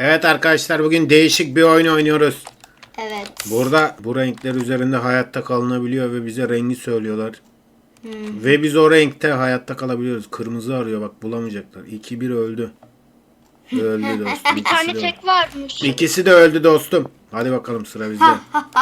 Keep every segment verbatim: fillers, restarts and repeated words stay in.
Evet arkadaşlar, bugün değişik bir oyun oynuyoruz. Evet. Burada bu renkler üzerinde hayatta kalınabiliyor ve bize rengi söylüyorlar. Hmm. Ve biz o renkte hayatta kalabiliyoruz. Kırmızı arıyor, bak bulamayacaklar. iki bir öldü. Öldü dostum. Bir İkisi tane de, tek varmış. İkisi de öldü dostum. Hadi bakalım, sıra bizde.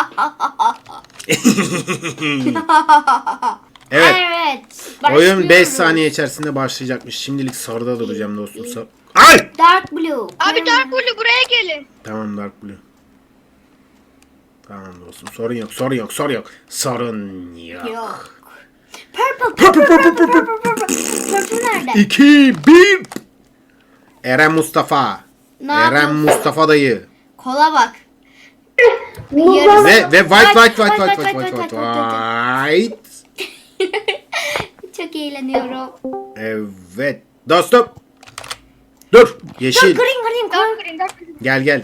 Evet. Evet. Oyun beş Başlıyoruz. saniye içerisinde başlayacakmış. Şimdilik sarıda duracağım dostum. Sar Ay! Dark blue. Abi Dark Blue buraya gelin. Tamam Dark Blue. Tamam dostum. Sorun yok, sorun yok, sorun yok. Sorun yok. Yok. Purple. Purple. Purple. Purple. Purple. Purple nerede? iki bir Eren Mustafa. Ne Eren yapıyorsun? Mustafa dayı. Kola bak. Ve ve white white white white white white white white. Çok eğleniyorum. Evet. Dostum. Dur. Yeşil. Green green Dark green. Green, Dark Green. Gel gel.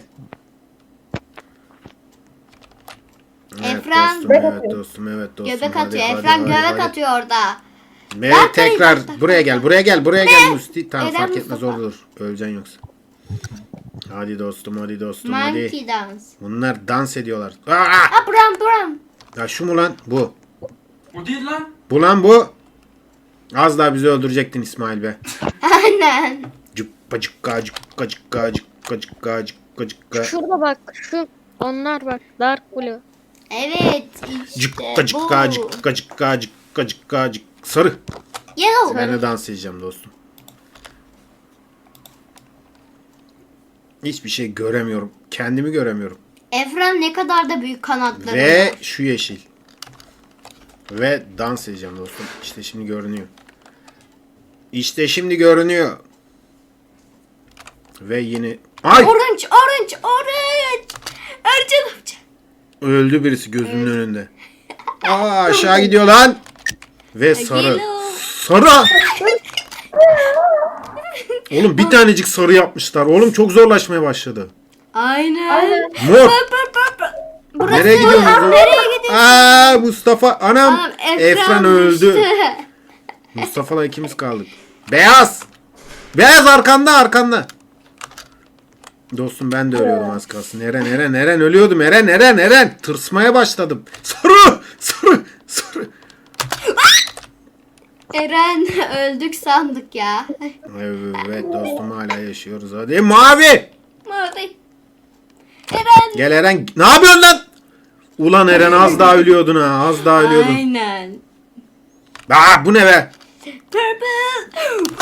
Evet Efren- dostum, evet dostum, evet dostum. Göbek Hadi, atıyor. hadi, Efren hadi, göbek hadi. atıyor orada. Ve Dark tekrar Green, Dark buraya gel, buraya gel, buraya gel Musti. Tamam, Eren fark etmez, Mustafa. orada dur. Öleceksin yoksa. Hadi dostum, hadi dostum, hadi. Monkey dance. Bunlar dans ediyorlar. Aa! Ha buram buram. Ya şu mu lan? Bu. O değil lan. Bu lan bu. Az daha bizi öldürecektin İsmail be. Aynen. Cıppa cıkka cıkka cıkka cıkka cıkka cıkka cıkka. Şurada bak, şu onlar bak, Dark Blue. Evet işte Cıkka cıkka bu. cıkka cıkka cıkka cıkka cık. Sarı. Yellow. Ben de dans edeceğim dostum. Hiçbir şey göremiyorum. Kendimi göremiyorum. Efren ne kadar da büyük kanatları Ve var. şu yeşil. Ve dans edeceğim dostum. İşte şimdi görünüyor. İşte şimdi görünüyor. Ve yine... Ay! Orange, orange, orange. Ercan amca. Öldü birisi gözümün önünde. Aa, aşağı gidiyor lan. Ve sarı. Yellow. Sarı! Oğlum bir tanecik sarı yapmışlar. Oğlum çok zorlaşmaya başladı. Aynen. Mor. Pır pır pır pır. Burası Nereye gidiyorsunuz oğlum? Nereye gidiyorsun? Aa, Mustafa. Anam. Tamam, Efren öldü. düştü. Mustafa'la ikimiz kaldık. Beyaz. Beyaz arkanda, arkanda. Dostum ben de ölüyordum az kalsın. Eren, Eren, Eren ölüyordum. Eren, Eren, Eren. Tırsmaya başladım. Sarı, sarı, sarı. Eren öldük sandık ya. Evet dostum, hala yaşıyoruz. Hadi mavi. Mavi. Eren. Gel Eren. Ne yapıyorsun lan? Ulan Eren, az daha ölüyordun ha. Az daha ölüyordun. Aynen. Aa, bu ne be? Purple.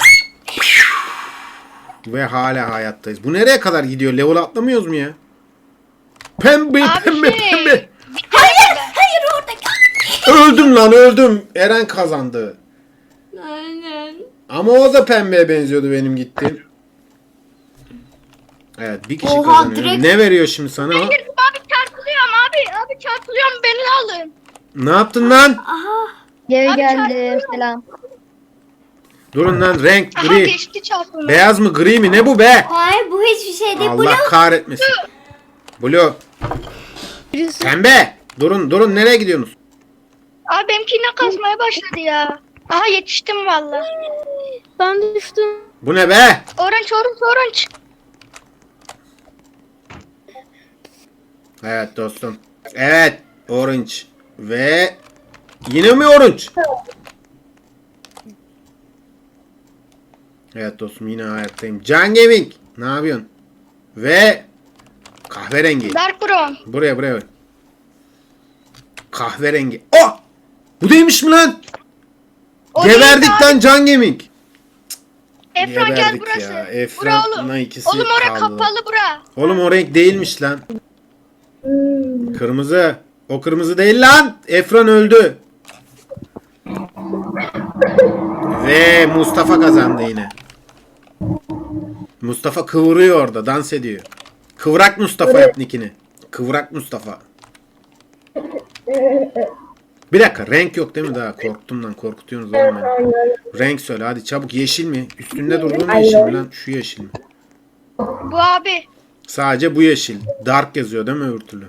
Ve hala hayattayız. Bu nereye kadar gidiyor? Level atlamıyoruz mu ya? Pembe, Abi pembe, şey, pembe. Hayır, hayır orada. Öldüm lan, öldüm. Eren kazandı. Aynen. Ama o da pembeye benziyordu benim gittiğim. Evet, bir kişi Oha, kazanıyor. direkt- Ne veriyor şimdi sana o? Hayır abi çarpılıyorum abi. Abi çarpılıyorum, beni alın. Ne yaptın lan? Aha. Geri Abi geldim, çarpıyorum. selam. Durun lan, renk Aha gri. geçti çarpılma. Beyaz mı gri mi, ne bu be? Hayır bu hiçbir şey değil. Allah Blue. kahretmesin. Blue. Birisi Pembe. Durun durun, nereye gidiyorsunuz? Abi benimkine kasmaya başladı ya. Aha yetiştim valla. ben düştüm. Bu ne be? Orange, orange, orange. Evet dostum. Evet. Orange. Ve yine mi orange? Evet dostum, yine hayattayım. Can Gaming. Ne yapıyorsun? Ve kahverengi. Dark Brown. Buraya buraya. Kahverengi. Oh! Bu değilmiş mi lan? O Geberdik değil abi. lan Can Gaming. Efran gel Geberdik burası. ya. Bura Efran'la oğlum. ikisi Oğlum ora kaldı. kapalı bura. Oğlum o renk değilmiş lan. Kırmızı. O kırmızı değil lan. Efran öldü. Ve Mustafa kazandı yine. Mustafa kıvırıyor orada. Dans ediyor. Kıvrak Mustafa yap nickini. Kıvrak Mustafa. Bir dakika, renk yok değil mi daha? Korktum lan, korkutuyorsunuz oğlum beni. Renk söyle hadi çabuk. Yeşil mi? Üstünde durduğun yeşil mi lan? Şu yeşil mi? Bu abi. Sadece bu yeşil. Dark yazıyor değil mi öbür türlü?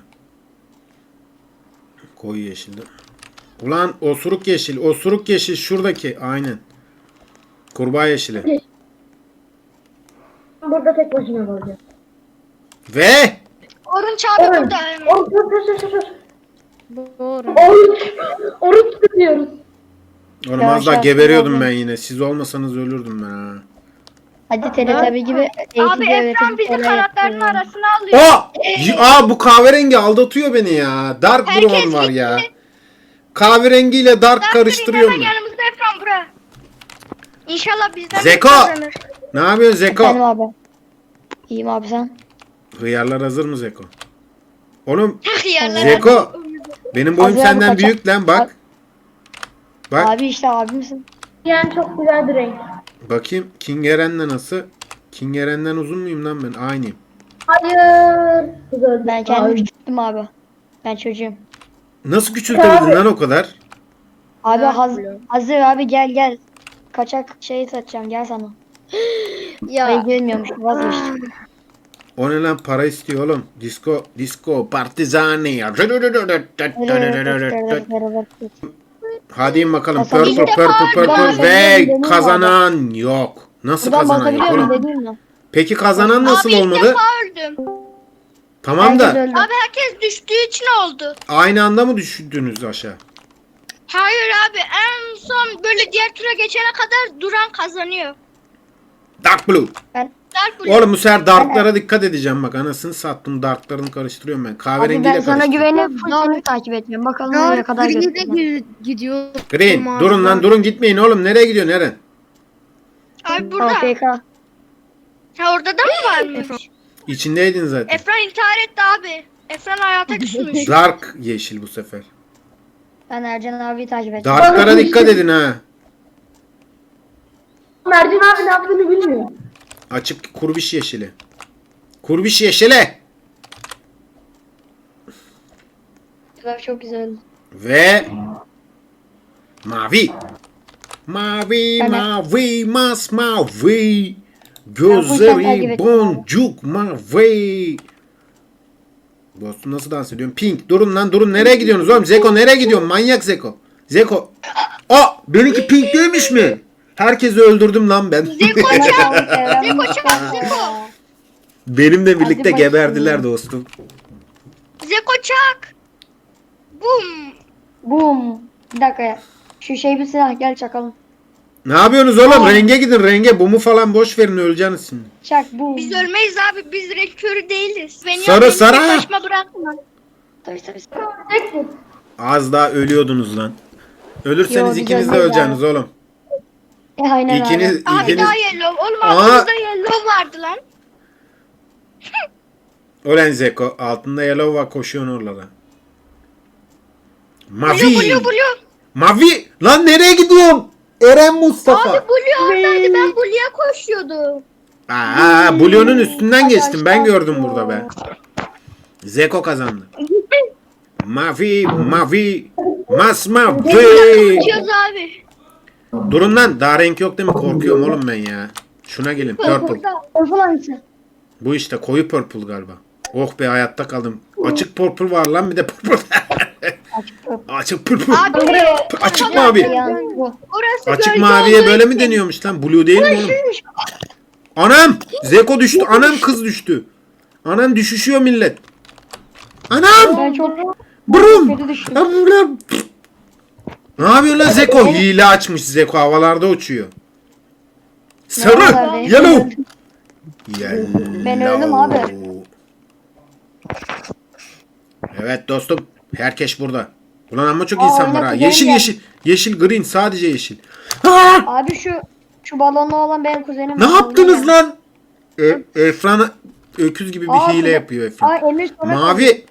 Koyu yeşildi. Ulan osuruk yeşil. Osuruk yeşil şuradaki. Aynen. Kurbağa yeşili. Burada tek başına kalacağım. Ve Orunç abi Orun. burada. Oruç, oruç, oruç, oruç. Doğru. Oruç. Oruç tutuyoruz. oğlum Yavaş az daha yavaş geberiyordum yavaş. ben yine. Siz olmasanız ölürdüm ben ha. Hadi Teletabi gibi eğitici Abi Efran öğretici bizi şeyler kanatlarının yapıyorum. arasına alıyor. Aa! Y- Aa bu kahverengi aldatıyor beni ya. Dark Herkes brown var gitti. ya. Kahverengiyle dark karıştırıyorum Hemen ben. yanımızda Efran bura. İnşallah bizden biri Zeko! kazanır. Ne yapıyorsun Zeko? Efendim abi. İyiyim abi sen. Hıyarlar hazır mı Zeko? Oğlum Hıyarlar. Zeko. Benim boyum Hazır abi, senden kaçak. büyük lan bak. Bak Abi işte abimsin. Yani çok güzel bir renk. bakayım King Eren'le nasıl? King Eren'den uzun muyum lan ben? Aynıyım. Hayır. Kız öldü. Ben kendimi Hayır. küçülttüm abi. Ben çocuğum. Nasıl küçültebildin lan o kadar? Abi Ha, haz biliyorum. hazır abi gel gel. Kaçak şeyi satacağım gel sana. Hayır Ya. gelmiyormuş vazgeçtim. O ne lan para istiyor oğlum. Disco, disco, partizani. Hadi in bakalım. Hasan, Purple, ilk defa purple, purple ben ve dedim kazanan yok. Nasıl Buradan kazanan yok bakabiliyor muyum oğlum? dedim mi? Peki kazanan nasıl Abi ilk olmadı? defa öldüm. Tamam Herkes da öldü. Abi herkes düştüğü için oldu. aynı anda mı düştünüz aşağı? Hayır abi en son böyle diğer tura geçene kadar duran kazanıyor. Dark Blue. Ben, Dark Blue. Oğlum bu sefer darklara dikkat edeceğim bak. Anasını sattım darklarını karıştırıyorum ben. abi Kahverengiyle ben sana karıştırıyorum. güvenip full seni takip edeceğim. Bakalım nereye Dark kadar Green'e götüreceğim. gir- gidiyor. Green Mağazadan. durun lan durun gitmeyin oğlum. Nereye gidiyorsun Eren? Abi burada. A F K. Ha orada da mı varmış? İçindeydin zaten. Efran intihar etti abi. Efran hayata küsmüş. Dark yeşil bu sefer. Ben Ercan abiyi takip edeceğim. Darklara dikkat edin ha. Mercan abi ne yaptığını bilmiyor. Açık kurbiş yeşili. Kurbiş yeşile. Çok güzel. Ve mavi. Mavi, Ben de- mavi, masmavi. Ben bu yüzden takip Gözleri ettim boncuk mavi. Dostum nasıl dans ediyorsun? Pink. Durun lan durun. Nereye gidiyorsunuz oğlum? Zeko nereye gidiyorsun? Manyak Zeko. Zeko. Aa benimki pink değilmiş mi? Herkesi öldürdüm lan ben. Zeko çak. Zeko çak Zeko. Benimle birlikte Hadi bakayım. geberdiler dostum. Zeko çak. Bum. Boom. Bir dakika ya. Şu şey bir silah gel çakalım. Ne yapıyorsunuz oğlum? Renge gidin renge. Bumu falan boş verin öleceksiniz şimdi. Çak boom. Biz ölmeyiz abi. Biz renk körü değiliz. Beni Sarı, beni sarı. tek başıma bırakma. Tabii tabii. Öleceksin. Az daha ölüyordunuz lan. Ölürseniz Yo, biz ikiniz de ölmeyiz öleceksiniz oğlum. E, aynen İkiniz, abi. Abi ikiniz... daha yellow. Oğlum Aa. altımızda yellow vardı lan. Ulan Zeko altında yellow var koşuyorsun oralara. Blue Mavi. blue blue. Mavi. Lan nereye gidiyorsun? Eren Mustafa. Abi blue oradaydı. Ben blue'ya koşuyordum. Aa, Blue'nun üstünden geçtim. Ben gördüm burada be. Zeko kazandı. Mavi, mavi, masmavi. Kaçıyoruz abi. Durun lan. Daha renk yok değil mi? Korkuyorum oğlum ben ya. Şuna gelin. Purple. Orful hangisi? Bu işte koyu purple galiba. Oh be hayatta kaldım. Açık purple var lan bir de purple. Açık purple. Abi. Açık mavi. Yani bu. Orası Açık gölge maviye olduğu böyle mi için. deniyormuş lan? Blue değil mi oğlum? Anam! Zeko düştü. Anam kız düştü. Anam düşüşüyor millet. Anam! Ben çok Brum! kötü düştüm. Ablam! Ne yapıyor lan Zeko? Hile açmış Zeko. Havalarda uçuyor. Sarı! Havalardayım. Yellow! Yellow. Ben öldüm abi. Evet dostum. Herkes burada. Ulan ama çok Aa, insan oyna var ha. kuzenim Yeşil gel. yeşil. Yeşil green. Sadece yeşil. Aa! Abi şu şu balonlu olan benim kuzenim. Ne yaptınız lan? E, Efran öküz gibi bir Aa, hile kuzen- yapıyor Efran. Aa Emir sonra Mavi.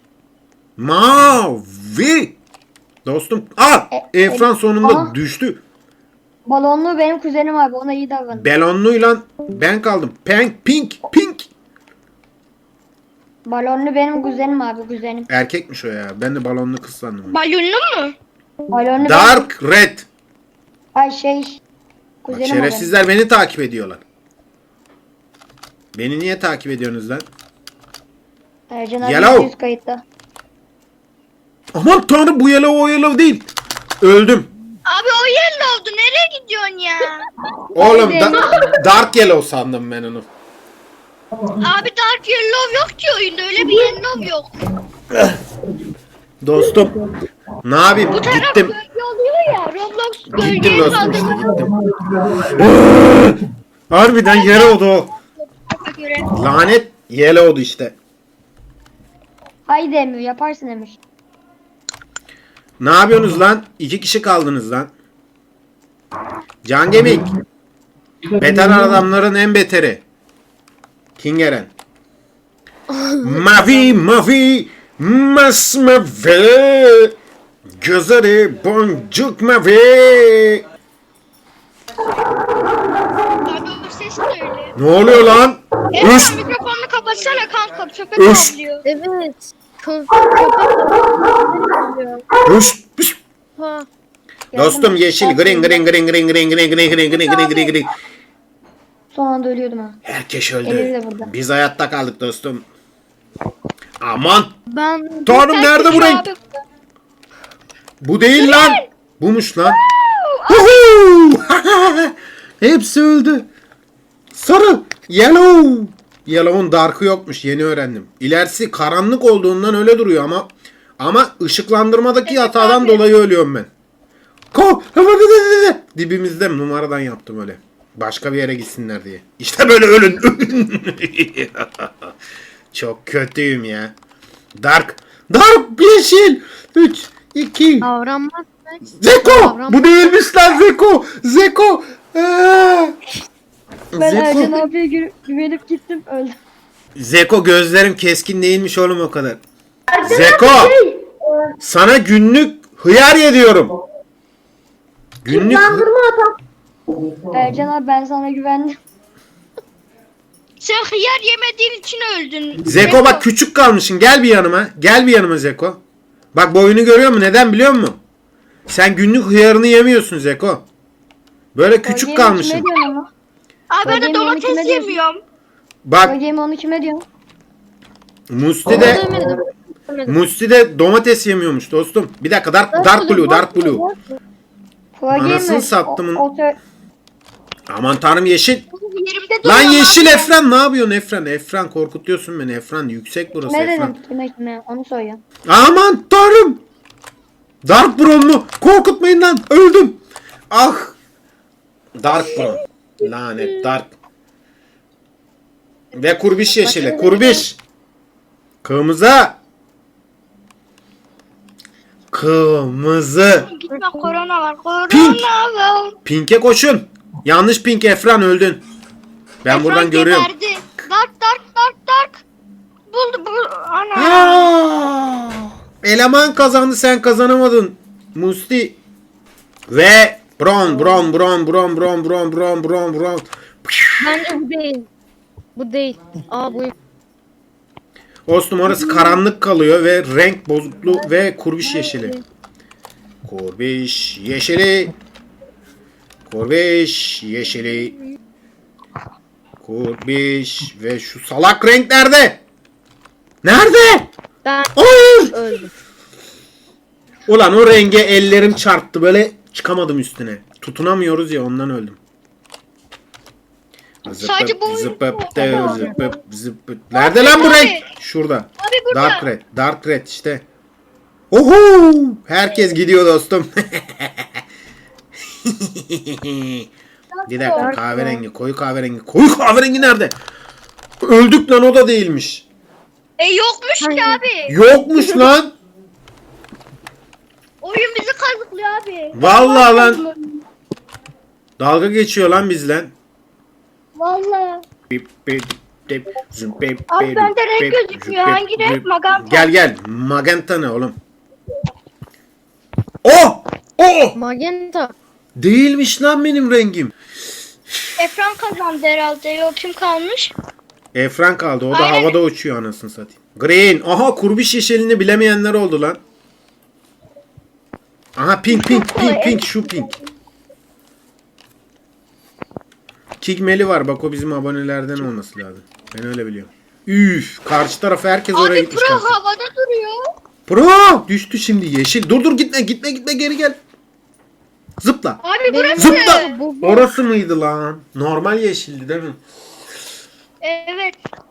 Mavi. Dostum. Aa! E, Efran sonunda Aa. düştü. balonlu benim kuzenim abi ona iyi davran. Balonluyla ben kaldım. Pink, pink, pink. Balonlu benim kuzenim abi kuzenim. Erkekmiş o ya. Ben de balonlu kız sandım. Balonlu mu? Balonlu benim. Dark red. Ay şey. Bak Kuzenim o benim. şerefsizler beni takip ediyorlar. Beni niye takip ediyorsunuz lan? Ercan abi Yellow. yüz kayıtta. Aman tanrım bu yellow o yellow değil. Öldüm. Abi o yellow'du. Nereye gidiyorsun ya? Oğlum da- dark yellow sandım ben onu. Abi Dark Yellow yok ki oyunda. Öyle bir Yellow yok. Dostum. Ne yapayım? Bu taraf Gittim. gölge oluyor ya. Roblox Gittim gölgeye dostum işte kaldırıyor. gittim. Harbiden yere oldu o. Göre. Lanet yele oldu işte. Haydi Emir yaparsın Emir. Ne yapıyorsunuz lan? İki kişi kaldınız lan. Can Gemik. Beter adamların en beteri. Kingeren. Mavi mavi masmavi. Gözleri boncuk mavi. Abi o ses de öyle. Ne oluyor lan? Üş. Efendim mikrofonunu kapatsana kanka. Köpek Üş. avlıyor. Evet. Kö köpek Üş. Üş. Ha. Dostum yeşil green green green green green green green green green green green green. Son anda ölüyordum ha. Herkes Emir öldü. de burada. Biz hayatta kaldık dostum. Aman. Ben Tanrım nerede bu renk? Abi, Bu değil lan. Bumuş lan. Huhu! Hepsi öldü. Sarı. Yellow. Yellow'un dark'ı yokmuş. Yeni öğrendim. İlerisi karanlık olduğundan öyle duruyor ama ama ışıklandırmadaki hatadan dolayı ölüyorum ben. Ko dibimizde mi? Numaradan yaptım öyle. Başka bir yere gitsinler diye. İşte böyle ölün. Çok kötüyüm ya. Dark. Dark yeşil. üç, iki. davranmazsak Zeko! Bu değilmiş lan Zeko! Zeko! Aa! Ben Ercan Zeko. abiye gü- güvenip gittim öldüm. Zeko gözlerim keskin değilmiş oğlum o kadar. Zeko! Sana günlük hıyar yediyorum. Günlük hı- Kandırma atam. Ercan abi ben sana güvendim. sen hıyar yemediğin için öldün. Zeko bak küçük kalmışsın. Gel bir yanıma. Gel bir yanıma Zeko. Bak boyunu görüyor musun? Neden biliyor musun? Sen günlük hıyarını yemiyorsun Zeko. Böyle küçük Bölgeyi kalmışsın. Kime diyorsun ama? Abi ben de Bölgeyi onu kime domates diyorsun? yemiyorum. Bak Bölgeyi onu kime diyorsun? Musti de demedim. Demedim. Musti de domates yemiyormuş dostum. Bir dakika dark, dark blue dark blue. Bölgeyi Anasını mi? sattımın. O, o tö- Aman tanrım yeşil. Yerimde Lan duruyorum yeşil abi. Efren ne yapıyorsun Efren? Efren korkutuyorsun beni Efren. Yüksek burası ne Efren. dedim? Kime kime? Onu söyle. Aman tanrım. Dark brown mu? Korkutmayın lan. Öldüm. Ah. Dark brown. Lanet dark. Ve kurbiş yeşili. Kurbiş. Kırmızı. Kırmızı. Gitme korona var. Korona Pink. var. Pink'e koşun. Yanlış Pink Efren öldün. Ben Efran buradan görüyorum. geberdi. Dark dark dark dark. Buldu bu. Ana. Aa! Eleman kazandı sen kazanamadın. Musti. Ve Brown Brown Brown Brown Brown Brown Brown Brown Brown. Bence bu değil. Bu değil. Aa bu. Dostum orası karanlık kalıyor ve renk bozukluğu ve kurbiş yeşili. Kurbiş yeşili. Kurbiş yeşili. Kurbiş ve şu salak renk nerede? Nerede? Ben Hayır. öldüm. Ulan o renge ellerim çarptı böyle çıkamadım üstüne. Tutunamıyoruz ya ondan öldüm. Sadece bu- zıpıp de zıpıp zıpıp. Nerede lan bu Abi. renk? Şurada. Abi burada. Dark red. Dark red işte. Oho! Herkes gidiyor dostum. Bir dakika kahverengi. Koyu kahverengi. Koyu kahverengi nerede? Öldük lan o da değilmiş. E yokmuş ki abi. Yokmuş lan. Oyun bizi kazıklıyor abi. Vallahi lan. Dalga geçiyor lan bizle. Vallahi. Bip, bip, dip, zıp, bip, Abi bip, bende renk bip, gözükmüyor. zıp, Hangi bip, renk? bip. Magenta. Gel gel. Magenta ne oğlum? Oh! Oh! Magenta. Değilmiş lan benim rengim. Efran kazandı herhalde. Yok kim kalmış? Efren kaldı. O da Aynen. havada uçuyor anasını satayım. Green. Aha kurbiş yeşilini bilemeyenler oldu lan. Aha pink pink pink pink şu pink. Kigmeli var. Bak o bizim abonelerden olması lazım. Ben öyle biliyorum. Üf. Karşı tarafa herkes oraya Abi gitmiş. pro kalsın. havada duruyor. Pro düştü şimdi yeşil. Dur dur gitme gitme gitme geri gel. Zıpla. Abi burası. Zıpla. Bu, bu. Orası mıydı lan? Normal yeşildi değil mi? Evet.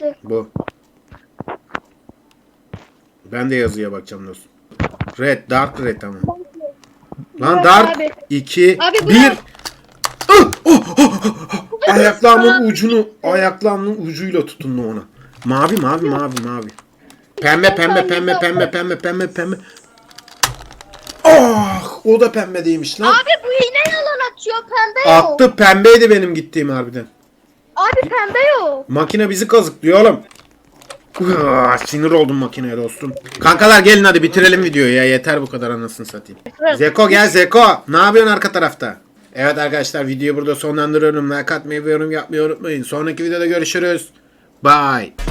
hangisi? Bu. Ben de yazıya bakacağım dostum. Red, dark red ama. Lan Yok dark abi. iki Abi bu bir. ne? Ah! Oh, oh, oh, oh. Ayaklarımın ucunu ayaklarımın ucuyla tutundu ona. Mavi mavi mavi mavi. Pembe pembe pembe pembe pembe pembe pembe. Ah, o da pembe değilmiş lan. Abi bu yine yalan atıyor. Pembe yok. Attı, pembeydi benim gittiğim harbiden. Abi pembe yok. Makine bizi kazıklıyor oğlum. Ah, sinir oldum makineye dostum. Kankalar gelin hadi bitirelim videoyu ya. Yeter bu kadar anasını satayım. Zeko gel Zeko. Ne yapıyorsun arka tarafta? Evet arkadaşlar videoyu burada sonlandırıyorum. Like atmayı ve yorum yapmayı unutmayın. Sonraki videoda görüşürüz. Bye.